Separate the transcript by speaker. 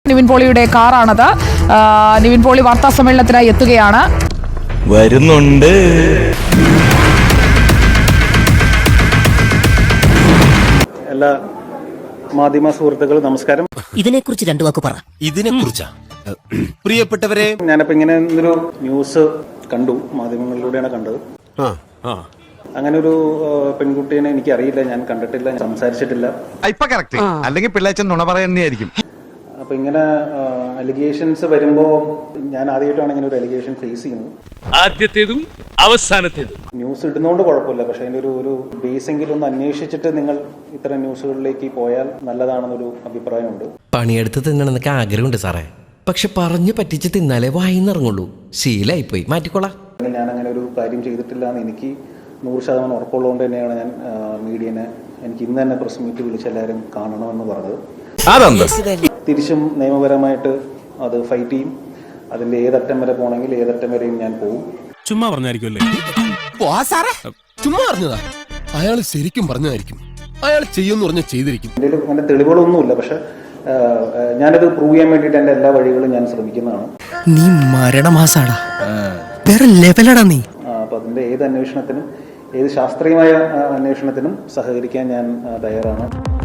Speaker 1: നിവിൻ പോളിയുടെ കാറാണത്. നിവിൻ പോളി വാർത്താ സമ്മേളനത്തിനായി എത്തുകയാണ്.
Speaker 2: വരുന്നുണ്ട്.
Speaker 3: എല്ലാ മാധ്യമ സുഹൃത്തുക്കൾ നമസ്കാരം.
Speaker 4: ഇതിനെക്കുറിച്ച് രണ്ടു വാക്ക് പറ.
Speaker 2: ഇതിനെക്കുറിച്ചാ പ്രിയപ്പെട്ടവരെ,
Speaker 3: ഞാനപ്പോ ഇങ്ങനെ ഒരു ന്യൂസ് കണ്ടു, മാധ്യമങ്ങളിലൂടെയാണ് കണ്ടത്. അങ്ങനെ ഒരു പെൺകുട്ടീനെ എനിക്ക് അറിയില്ല, ഞാൻ കണ്ടിട്ടില്ല, സംസാരിച്ചിട്ടില്ല.
Speaker 5: ഇപ്പൊ കറക്റ്റ്, അല്ലെങ്കിൽ പിള്ളേച്ചൻ നുണ പറയുന്നതായിരിക്കും.
Speaker 3: അപ്പൊ ഇങ്ങനെ അലിഗേഷൻസ് വരുമ്പോ ഞാൻ ആദ്യമായിട്ടാണ് ഇങ്ങനെ ഒരു അലിഗേഷൻ ഫേസ് ചെയ്യുന്നത്.
Speaker 6: ആദ്യത്തേതും അവസാനത്തേതും.
Speaker 3: ന്യൂസ് ഇടുന്നോണ്ട് കുഴപ്പമില്ല, പക്ഷെ അതിന്റെ ഒരു ബേസെങ്കിലും ഒന്ന് അന്വേഷിച്ചിട്ട് നിങ്ങൾ ഇത്തരം ന്യൂസുകളിലേക്ക് പോയാൽ നല്ലതാണെന്നൊരു അഭിപ്രായമുണ്ട്.
Speaker 7: പണിയെടുത്ത് തിന്നണമെന്നൊക്കെ ആഗ്രഹമുണ്ട് സാറേ, പക്ഷെ പറഞ്ഞു പറ്റിച്ച് തിന്നാലേ വായിന്നിറങ്ങുള്ളൂ. ശീലായിപ്പോയി, മാറ്റിക്കോളാം.
Speaker 3: ഞാൻ അങ്ങനെ ഒരു കാര്യം ചെയ്തിട്ടില്ല എന്ന് എനിക്ക് 100% ഉറപ്പുള്ളതുകൊണ്ട് തന്നെയാണ് ഞാൻ മീഡിയനെ എനിക്ക് ഇന്ന് തന്നെ പ്രസ് മീറ്റ് വിളിച്ച് എല്ലാവരും കാണണമെന്ന് പറഞ്ഞത്. തിരിച്ചും നിയമപരമായിട്ട് അത് ഫൈറ്റ് ചെയ്യും. അതിന്റെ ഏതറ്റം വരെ പോകണമെങ്കിൽ ഏതറ്റം വരെയും ഞാൻ പോകും.
Speaker 6: ചുമ്മാ പറഞ്ഞായിരിക്കുമല്ലേ?
Speaker 8: ചുമ്മാ പറഞ്ഞതാ. അയാൾ ശരിക്കും പറഞ്ഞതായിരിക്കും. അയാൾ ചെയ്യുമെന്ന് പറഞ്ഞാൽ ചെയ്തിരിക്കും.
Speaker 3: എൻ്റെ അങ്ങനെ തെളിവുകളൊന്നുമില്ല, പക്ഷെ ഞാനത് പ്രൂവ് ചെയ്യാൻ വേണ്ടിയിട്ട് എൻ്റെ എല്ലാ വഴികളും ഞാൻ ശ്രമിക്കുന്നതാണ്.
Speaker 4: നീ മരണമാസാടാ, വേറെ ലെവലടാ നീ.
Speaker 3: അപ്പൊ അതിന്റെ ഏത് അന്വേഷണത്തിനും, ഏത് ശാസ്ത്രീയമായ അന്വേഷണത്തിനും സഹകരിക്കാൻ ഞാൻ തയ്യാറാണ്.